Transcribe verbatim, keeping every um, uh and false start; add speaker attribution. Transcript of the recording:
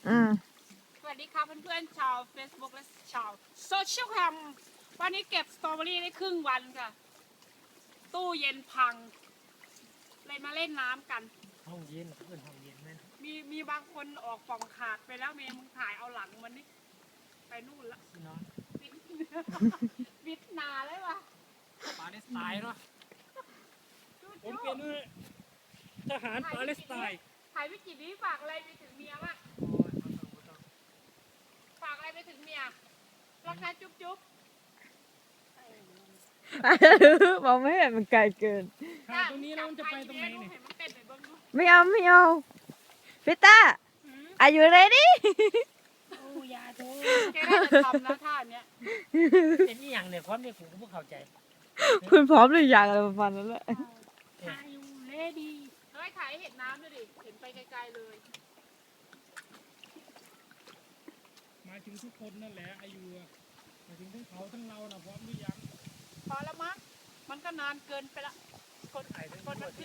Speaker 1: อืม
Speaker 2: สวัสดีค่ะเพื่อนๆชาว Facebook และชาวโซเชียลแคมวันนี้เก็บสตรอเบอรี่ได้ครึ่งวันค่ะ ตู้เย็นพัง เลยมาเล่นน้ำกัน
Speaker 3: ห้องเย็นเพื่อนห้องเย็นไหม
Speaker 2: มีมีบางคนออกป่องขาดไปแล้วเมย์มึงถ่ายเอาหลังมันนี่ไปนู่นละ
Speaker 3: พี่น้อง
Speaker 2: บิด บิดนาเลยวะ
Speaker 3: ปาเลสไตน์เนาะ
Speaker 2: จุ๊
Speaker 3: ผม
Speaker 2: จุ๊
Speaker 3: เป็นทหารปาเลสไตน์
Speaker 2: ถ่ายวิกินี้ฝากอะไรไปถึงเมียบ้าง
Speaker 3: โอ้ยบ่ต้องบ่ต้อง
Speaker 2: ฝากอะไรไปถึงเมียรักนะจุ๊บจุ๊บ
Speaker 1: มองไม่เห็นมันไกลเกิน
Speaker 3: ถ่ายตรงนี้แล้วมันจะไปตรงไหนเนี่ย
Speaker 2: เห็นมันเต้นไหนบ้างดู
Speaker 1: ไม่เอาไม่เอาพี่ต้า Are you ready
Speaker 3: โอ้ยาโถ
Speaker 2: แกน่าจะทำนะท่าเนี้ย
Speaker 3: เป็นอีหยังเนี่ยพร้อมเนี่ยผมก็บ่เข้าใจ
Speaker 1: คุณพร้อมหรือยังอะไรประมาณนั้นแหละ
Speaker 2: ถ่ายอยู่เลดี้เฮ้ยถ่ายให้เห็นน้ำด้วยดิ เห็นไปไกลๆเลย
Speaker 3: หมายถึงทุกคนนั่นแหละอายุอะหมายถึงทั้งเขาทั้งเรานะพร้อมหรือยัง
Speaker 2: พอแล้วมั้งมันก็นานเกินไปละ คน
Speaker 3: ถ่ายทั้งห
Speaker 2: คน
Speaker 3: ม
Speaker 2: มั
Speaker 3: ด
Speaker 2: น